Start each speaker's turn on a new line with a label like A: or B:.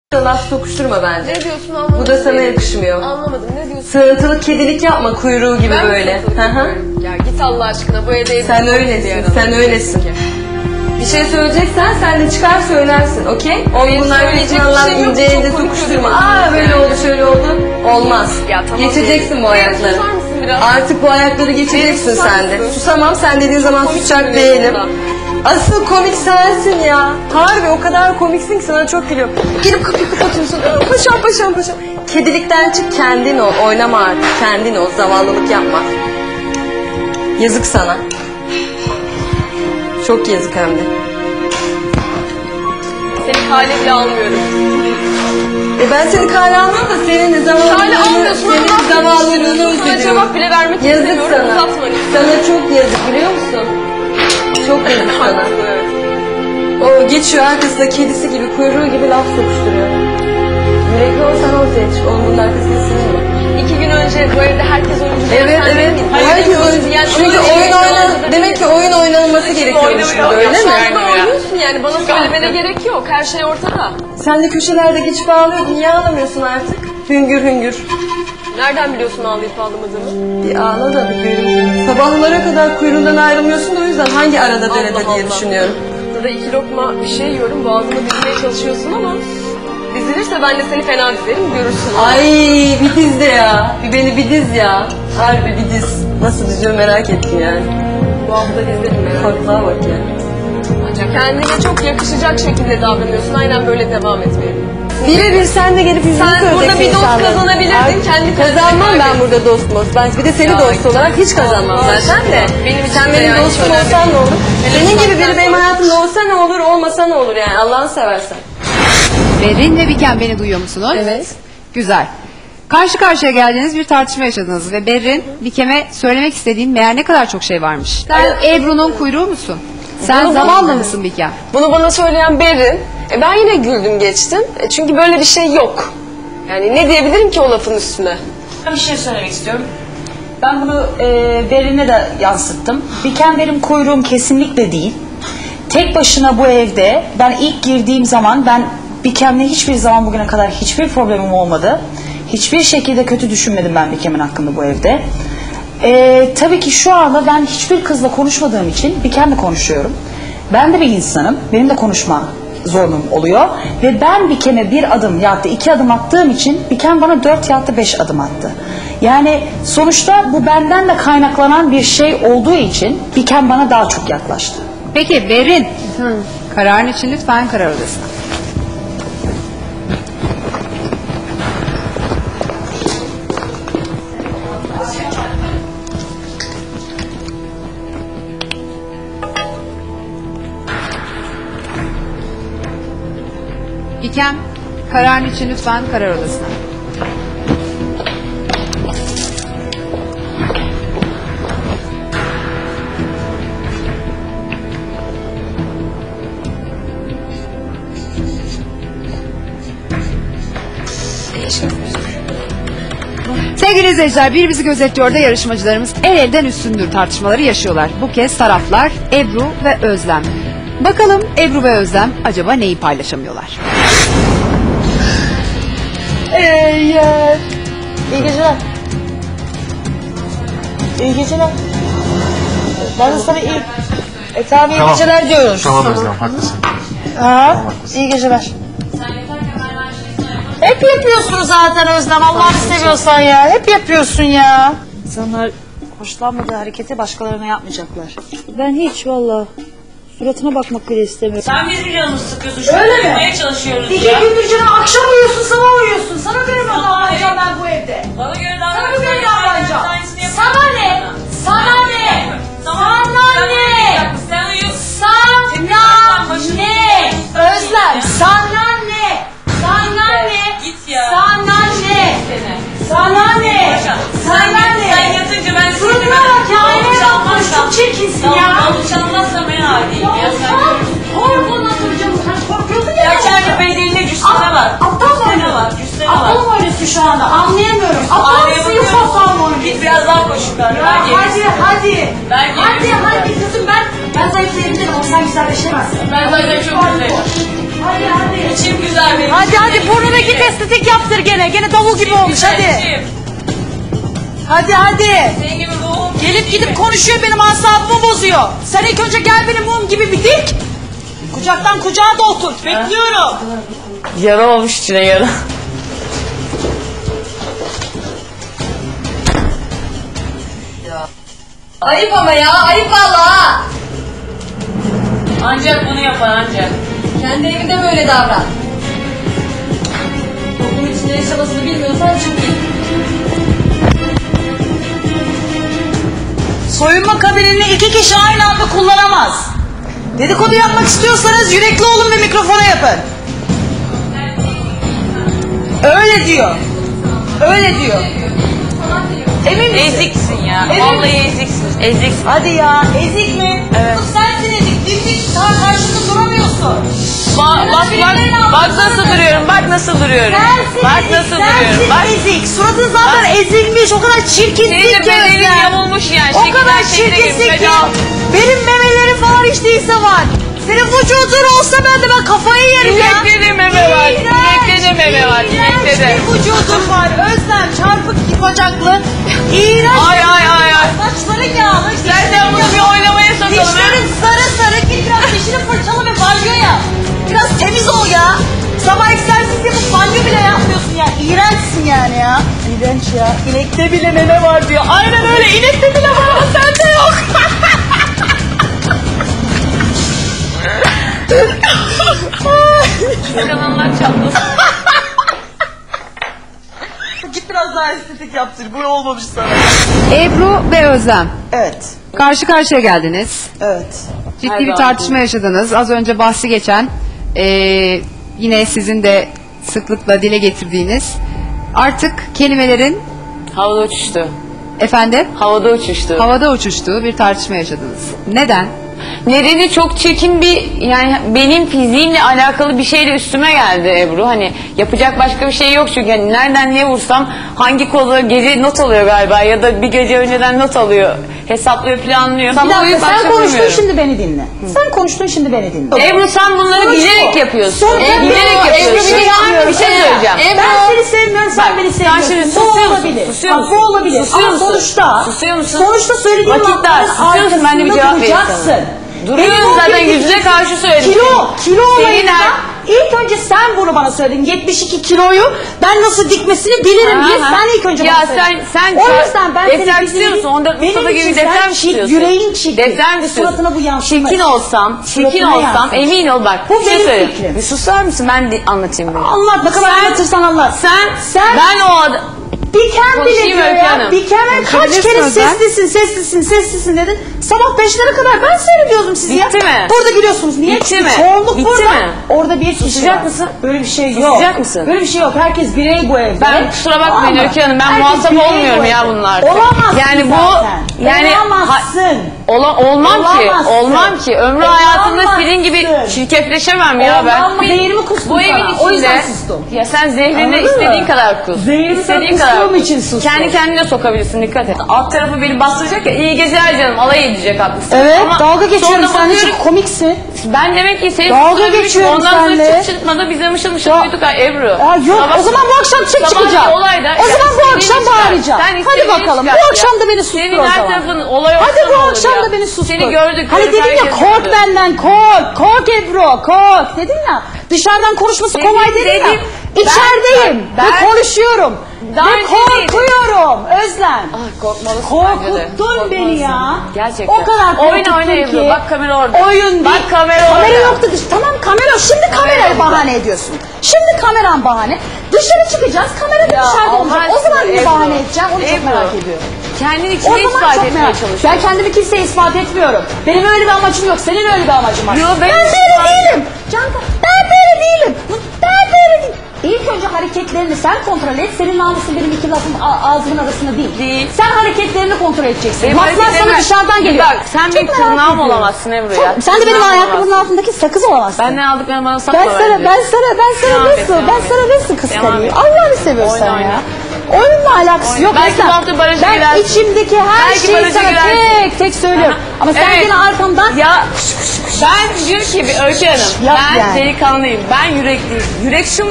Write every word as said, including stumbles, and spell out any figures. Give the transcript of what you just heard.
A: Laf sokuşturma bence.
B: Ne diyorsun anlamadım.
A: Bu da sana yakışmıyor.
B: Anlamadım, ne diyorsun?
A: Sığıntılı kedilik yapma, kuyruğu gibi
B: Ben
A: böyle. Hı hı.
B: Ya git Allah aşkına, bu evde...
A: Sen öylesin, sen öylesin. Bir şey söyleyeceksen sen de çıkar söylersin, okey? O bunlar
B: söyleyecek
A: Allah
B: bir şey yok,
A: ince
B: çok
A: elde
B: komik
A: sokuşturma.
B: görünüyorsun
A: Aa böyle
B: yani.
A: oldu, şöyle oldu. Olmaz.
B: Ya tamam.
A: Geçeceksin bu ayakları.
B: Susar mısın biraz?
A: Artık bu ayakları geçeceksin
B: Beni susar
A: sen de.
B: mısın?
A: Susamam, sen dediğin zaman
B: komik
A: susacak
B: görünüyorsun
A: değilim.
B: da.
A: Asıl komik sensin ya. Harbi o kadar komiksin ki sana çok gülüyorum. Gelip kapıyı kapatıyorsun. Aa, paşam paşam paşam. Kedilikten çık, kendin ol. Oynama artık. Kendin ol. Zavallılık yapma. Yazık sana. Çok yazık hem de.
B: Seni kale bile almıyorum.
A: E ben seni kale almam da senin de zavallılığını,
B: Kale almıyorsun ama
A: senin
B: laf
A: zavallılığını
B: yetiştiriyorsun. Sana
A: üzülüyorum.
B: cevap bile vermek
A: Yazık
B: istemiyorum.
A: sana.
B: Uzatma lütfen.
A: Sana çok yazık biliyor musun? Çok yazık sana.
B: Evet.
A: O geçiyor arkasında kedisi gibi, kuyruğu gibi laf sokuşturuyor. Yürekli olsan ortaya çık. Onun bunun arkasında sinir mi?
B: İki gün önce bu evde herkes oyuncu.
A: Evet
B: Sen
A: evet.
B: değil miydin?
A: Herkes oyuncu.
B: Yani
A: Çünkü
B: öyle
A: oyun
B: bir
A: oynan,
B: zamanda
A: demek ki oyun oynanılması gerekiyormuş burada, öyle
B: Ya şu
A: mi?
B: anda oynuyorsun yani, bana söylemene gerek yok. Her şey ortada.
A: Sen de köşelerde geçip ağlıyordun. Niye ağlamıyorsun artık? Hüngür hüngür.
B: Nereden biliyorsun ağlayıp ağlamadığımı?
A: Bir ağla da bir göreyim. Sabahlara kadar kuyruğundan ayrılmıyorsun da o yüzden hangi arada derede
B: Allah
A: diye
B: Allah.
A: düşünüyorum.
B: Burada iki lokma bir şey yiyorum, boğazıma dizmeye çalışıyorsun ama dizilirse ben de seni fena dizerim, görürsün.
A: Ay bir diz de ya. Bir beni bir diz ya. Harbi bir diz. Nasıl diziyor merak ettim yani.
B: Bu hafta dizlerim yani.
A: Farklığa bak ya.
B: Ancak kendine çok yakışacak şekilde davranıyorsun, aynen böyle devam etmeye.
A: Birebir sen de gelip yüzünü
B: Sen
A: söyleyeceksin
B: burada bir dost
A: insanlara.
B: kazanabilirdin,
A: Ay,
B: kendi
A: kazanmam
B: kendine
A: ben burada dost most. Ben bir de seni
B: Ya,
A: dost olarak hiç kazanmam
B: Allah
A: zaten de.
B: aşkına. Benim için
A: Sen
B: de
A: benim
B: yani
A: dostum
B: şöyle
A: olsan
B: bir-
A: ne olur?
B: Hele
A: Senin
B: sen
A: gibi biri
B: sen
A: benim
B: sor.
A: hayatımda olsa ne olur, olmasa ne olur yani Allah'ını seversen.
C: Berin ve Biken beni duyuyor musunuz?
A: Evet.
C: Güzel. Karşı karşıya geldiğiniz bir tartışma yaşadınız ve Berin, Bikem'e söylemek istediğin meğer ne kadar çok şey varmış. Sen Ebru'nun kuyruğu musun? Sen
B: Bunu-
C: zavallı mısın Bikem?
B: Bunu bana söyleyen Berin. E ben yine güldüm geçtim. E çünkü böyle bir şey yok. Yani ne diyebilirim ki o lafın üstüne?
D: Ben bir şey söylemek istiyorum. Ben bunu e, Berin'e de yansıttım. Biken benim kuyruğum kesinlikle değil. Tek başına bu evde ben ilk girdiğim zaman ben Bikem'le hiçbir zaman bugüne kadar hiçbir problemim olmadı. Hiçbir şekilde kötü düşünmedim ben Bikem'in hakkında bu evde. E, tabii ki şu anda ben hiçbir kızla konuşmadığım için Bikem'le konuşuyorum. Ben de bir insanım. Benim de konuşma zorunum oluyor. Ve ben Bikem'e bir adım ya da iki adım attığım için Bikem bana dört ya da beş adım attı. Yani sonuçta bu benden de kaynaklanan bir şey olduğu için Bikem bana daha çok yaklaştı.
C: Peki Berin, kararın için lütfen karar odasına. Bikem, kararın için lütfen karar odasına. Sevgili izleyiciler, bir bizi gözetliyor da yarışmacılarımız el elden üstündür tartışmaları yaşıyorlar. Bu kez taraflar Ebru ve Özlem. Bakalım Ebru ve Özlem acaba neyi paylaşamıyorlar?
D: Eee, iyi geceler. İyi geceler. Ben de sana iyi... E tamam iyi
E: Tamam.
D: geceler diyoruz.
E: Tamam Özlem, haklısın.
D: Ha, iyi geceler. Hep yapıyorsun zaten Özlem, Allah'ını seviyorsan ya. Hep yapıyorsun ya. İnsanlar hoşlanmadığı hareketi başkalarına yapmayacaklar.
F: Ben hiç valla suratına bakmak bile istemiyorum.
G: Sen bizim canımızı sıkıyorsun. Şu
D: Öyle mi?
G: Yapmaya çalışıyoruz
D: İki
G: ya.
D: gündür canım akşam uyuyorsun, sabah uyuyorsun. Sana göre mi davranacağım ben bu evde?
G: Bana göre
D: Sana
G: davranıyorsun.
D: göre davranacağım.
G: Aynısını yapıyorsun.
D: Sana ne? Sana ne?
G: Tamam.
D: Sana ne?
G: Sen uyuyorsun.
D: Sana ne? Özlem, sana ne? Sana ne?
G: Git ya.
D: Sana ne? Sana ne? Sana ne?
G: Sen yatınca ben
D: Suratına bak ya, aynaya bakma, çok çirkinsin ya.
G: Tamam, konuşamazsam ben haliyim ya. Sen
D: Hormon atacağım, sen korkuyorsun ya.
G: ya kendi bedenine cüssene var.
D: Aptal mı
G: Cüssene var,
D: oynuyorsun?
G: cüssene var.
D: Aptal mı oynuyorsun şu anda? Anlayamıyorum. Aptal mısın, yoksa aptal mı oynuyorsun?
G: Git biraz daha koşun. Ben
F: Hadi
G: geliştim.
F: hadi.
G: Ben
F: Hadi
G: geliştim.
F: hadi kızım ben. Ben zayıflayabilirim ama sen güzelleşemezsin.
G: Ben zaten çok güzelim.
F: Hadi hadi.
G: İçim güzel benim.
F: Hadi hadi burnuna git estetik yaptır gene. Gene davul gibi olmuş hadi.
G: İçim.
F: Hadi hadi.
G: Senin gibi ruhum.
F: Gelip gidip konuşuyor benim asabımı bozuyor. Sen ilk önce gel benim mum gibi bir dik. Kucaktan kucağa da oturt. Bekliyorum.
G: Yara olmuş içine yara.
A: Ayıp ama ya, ayıp valla.
G: Ancak bunu yapan ancak.
A: Kendi evinde böyle davran. Toplum içinde yaşamasını bilmiyorsan çık git.
F: Soyunma kabinini iki kişi aynı anda kullanamaz. Dedikodu yapmak istiyorsanız yürekli olun ve mikrofona yapın. Öyle diyor. Öyle diyor. Emin misin?
G: Eziksin ya.
F: Evet.
G: Vallahi eziksin. Eziksin.
F: Hadi ya, ezik mi?
G: Evet.
F: Kız sensin ezik. Dimdik daha karşında duramıyorsun.
G: Bak bak bak. Bak nasıl duruyorum. Bak nasıl duruyorum.
F: Sensin
G: Bak
F: ezik,
G: nasıl
F: sensin
G: duruyorum. Bak.
F: ezik. Suratın zaten ezilmiş. O kadar çirkinsin
G: Senin de
F: ki
G: bedenin
F: Özlem.
G: yamulmuş yani.
F: O
G: Şekilden
F: kadar
G: şekile
F: çirkinsin
G: girmiş.
F: ki.
G: Hadi al.
F: Benim memelerim falan hiç değilse var. Senin vücudun olsa ben de ben kafayı yerim ya.
G: İnekte de meme var.
F: İğrenç,
G: İnekte de meme var. İnekte de.
F: İğrenç bir vücudun var. Özlem çarpık iki bacaklı. İğrenç.
G: Ay ay ay ay.
F: Saçların yağlı.
G: İstersen bunu bir oynamaya sokalım. ha?
F: Dişlerin sarı sarı. Git biraz dişini fırçala ve banyo yap. Biraz temiz ol ya. Sabah egzersiz yapıp banyo bile yapmıyorsun ya. İğrençsin yani ya. İğrenç ya. İnekte bile meme var diyor. Aynen öyle. İnekte bile var ama sende yok.
G: Kanallar çatlasın.
F: Git biraz daha estetik yaptır. Bu olmamış sana.
C: Ebru ve Özlem.
F: Evet.
C: Karşı karşıya geldiniz.
F: Evet.
C: Ciddi
G: Her
C: bir
G: zaman.
C: tartışma yaşadınız. Az önce bahsi geçen eee, yine sizin de sıklıkla dile getirdiğiniz artık kelimelerin
G: Havada uçuştu.
C: efendim
G: Havada uçuştu.
C: havada uçuştuğu bir tartışma yaşadınız. Neden?
G: Nedeni çok çirkin bir, yani benim fiziğimle alakalı bir şeyle üstüme geldi Ebru. Hani yapacak başka bir şey yok çünkü hani nereden ne vursam hangi kola gece not alıyor galiba ya da bir gece önceden not alıyor. Hesaplıyor, planlıyor.
F: Bir
G: Ama
F: dakika
G: başka
F: sen konuştun
G: bilmiyorum.
F: şimdi beni dinle. Sen konuştun şimdi beni dinle.
G: Ebru sen bunları
F: Sonuç
G: bilerek
F: bu.
G: yapıyorsun.
F: Sonuç
G: E,
F: bu.
G: bilerek
F: Ebru,
G: yapıyorsun.
F: bir
G: Yani bir şey söyleyeceğim.
F: Ben seni sevmiyorum sen
G: Bak,
F: beni
G: sen
F: sevmiyorsun.
G: şimdi
F: Bu
G: susuyor musun?
F: olabilir.
G: Susuyor
F: Bak,
G: musun?
F: bu olabilir.
G: Susuyor
F: Ama
G: musun?
F: sonuçta.
G: Susuyor musun?
F: Sonuçta söylediğin
G: Vakit dar.
F: lafların
G: Susuyor musun? Ben de bir
F: arkasında
G: cevap vereyim
F: duracaksın.
G: sana. Duruyorum
F: Benim o
G: zaten,
F: gün-
G: yüzüne karşı söyledim.
F: Kilo, kilo
G: Senin
F: olayında
G: her-
F: ilk önce sen bunu bana söyledin. yetmiş iki kiloyu ben nasıl dikmesini bilirim diye
G: Aha.
F: sen ilk önce
G: Ya
F: bana söyledin.
G: sen- sen
F: o
G: ça-
F: yüzden ben
G: defter
F: senin
G: istiyor musun? on dört
F: benim
G: Mustafa gibi
F: için
G: defter
F: sen
G: mi
F: çirkin,
G: istiyorsun?
F: yüreğin çirkin.
G: Defter mi istiyorsun?
F: Suratına bu yansımış.
G: Çirkin olsam, çirkin
F: Suratına
G: olsam
F: yansımış.
G: emin ol bak.
F: Bu
G: bir şey
F: benim
G: söyleyeyim.
F: fikrim.
G: Bir susar mısın? Ben de anlatayım bunu.
F: Anlat ne kadar
G: Sen-
F: anlatırsan anlat.
G: Sen,
F: Sen-
G: ben o adam...
F: Diken bile
G: Konuşayım
F: diyor
G: Öykü
F: ya.
G: Hanım.
F: Diken'e kaç
C: Konuşabilirsin
F: kere
C: Özlem.
F: seslisin, seslisin, seslisin dedin. Sabah beşlere kadar ben seyrediyordum sizi ya.
G: Bitti mi?
F: Burada gülüyorsunuz. Niye?
G: Bitti
F: Çünkü
G: mi?
F: çoğunluk
G: Bitti
F: burada.
G: mi?
F: Orada bir kişi
G: Susacak
F: var.
G: mısın?
F: Böyle bir şey yok.
G: Susacak mısın?
F: Böyle bir şey yok. Herkes birey bu evde.
G: Ben kusura bakmayın
F: Ama
G: Öykü Hanım, ben
F: herkes
G: muhatap
F: birey
G: olmuyorum
F: bu
G: ya
F: evde.
G: bunlarla.
F: Olamazsın
G: Yani bu-
F: zaten.
G: yani-
F: Olamazsın.
G: Ola, olmam
F: Olamazsın.
G: ki, olmam ki. Ömrü hayatımda
F: Olamazsın.
G: senin gibi çirkefleşemem ya ben.
F: Olamam, değerimi kustum
G: Bu evin
F: sana.
G: içinde.
F: O yüzden sustum.
G: Ya sen zehrini
F: Anladın
G: istediğin
F: mı?
G: kadar kus.
F: Zehrini sen
G: İstediğin kadar
F: kustuğum
G: kus.
F: için sustum.
G: Kendi kendine sokabilirsin, dikkat et. Alt tarafı beni bastıracak ya, iyi geceler canım, alay edecek haklısın.
F: Evet,
G: Ama
F: dalga geçiyorum.
G: sonra
F: Sen de
G: bakıyorum-
F: çok komiksin.
G: Ben demek ki seni
F: Dalga
G: tutturabilmişim.
F: geçiyorum
G: Ondan sonra
F: seninle.
G: çıt çıtmadı biz de mışıl mışıl
F: Ya-
G: uyuduk ha Ebru.
F: Aa, yok,
G: Sabah-
F: o zaman bu akşam çık
G: sabahki
F: çıkacağım.
G: olayda-
F: O
G: Ya
F: zaman bu
G: istediğini
F: akşam
G: çıkar.
F: bağıracağım.
G: Sen
F: Hadi
G: istediğini
F: bakalım.
G: çıkar
F: Bu
G: ya.
F: akşam da beni sustur
G: Senin
F: o
G: her
F: zaman.
G: tarafın olay
F: Hadi
G: olsa
F: bu
G: ne olur
F: akşam
G: ya?
F: da beni sustur.
G: Seni gördük.
F: Hani
G: gördük,
F: dedin ya
G: herkes
F: kork
G: gördü.
F: benden kork. Kork Ebru kork. Dedin ya dışarıdan konuşması
G: Dedim,
F: kolay dedin ya.
G: dedim.
F: İçerideyim
G: Ben-
F: ve
G: ben-
F: konuşuyorum.
G: Daha
F: Ve
G: önce değildim.
F: korkuyorum Özlem.
G: Ay, korkmalısın bence de.
F: Korkuttun beni ya.
G: Korkmalısın. Gerçekten.
F: O kadar korkuttun
G: Oyna oyna Ebru.
F: ki.
G: Bak kamera orada.
F: Oyun
G: Bak
F: değil.
G: kamera
F: Kamera
G: orada.
F: yoktu dış. Tamam kamera. Şimdi kamerayı
G: burada.
F: bahane ediyorsun. Şimdi kameran bahane. Dışarı çıkacağız. Kamera da
G: Ya
F: dışarıda
G: Allah
F: olacak. O
G: aşkına
F: zaman bir
G: Ebru.
F: bahane edeceğim. Onu çok
G: Ebru.
F: merak ediyorum.
G: Kendini
F: O
G: içine
F: zaman
G: ispat
F: çok
G: etmeye
F: merak
G: çalışıyorsun.
F: Ben kendimi kimseye ispat etmiyorum. Benim öyle bir amacım yok. Senin öyle bir amacın var.
G: Yo, ben
F: ben
G: ispat-
F: böyle değilim. Canta, ben böyle değilim. Ben böyle değilim. İlk önce hareketlerini sen kontrol et. Senin namusun benim iki lafım a- ağzımın arasında değil.
G: Değil.
F: Sen hareketlerini kontrol edeceksin.
G: Benim
F: Laflar sana
G: hareketlerime-
F: dışarıdan geliyor.
G: Bak, sen
F: Çok
G: benim
F: merak
G: tırnağım
F: ediyorum.
G: olamazsın Ebru
F: Çok-
G: ya.
F: Sen de benim
G: Tırnağım
F: ayakkabımın
G: olamazsın.
F: altındaki sakız olamazsın.
G: Benden aldıklarını bana satma
F: Ben sana,
G: bence.
F: ben sana, ben sana
G: Devam et,
F: nasıl,
G: devam
F: ben
G: et.
F: sana nasıl
G: Devam
F: kıskanayım?
G: et.
F: Allah'ını seviyorsan
G: Oyna,
F: ya.
G: oyna.
D: Oyunla alakası yok.
G: Belki
D: Mesela
G: bu hafta baraja
D: ben
G: girersin.
D: içimdeki her
G: Belki
D: şeyi
G: baraja
D: sana
G: girersin.
D: tek tek söylüyorum. Ama sen
G: Evet.
D: yine arkamdan
G: Ya ben diyor ki Öykü Hanım
D: Yap
G: ben
D: yani.
G: delikanlıyım. Ben yürekliyim. Yürek şu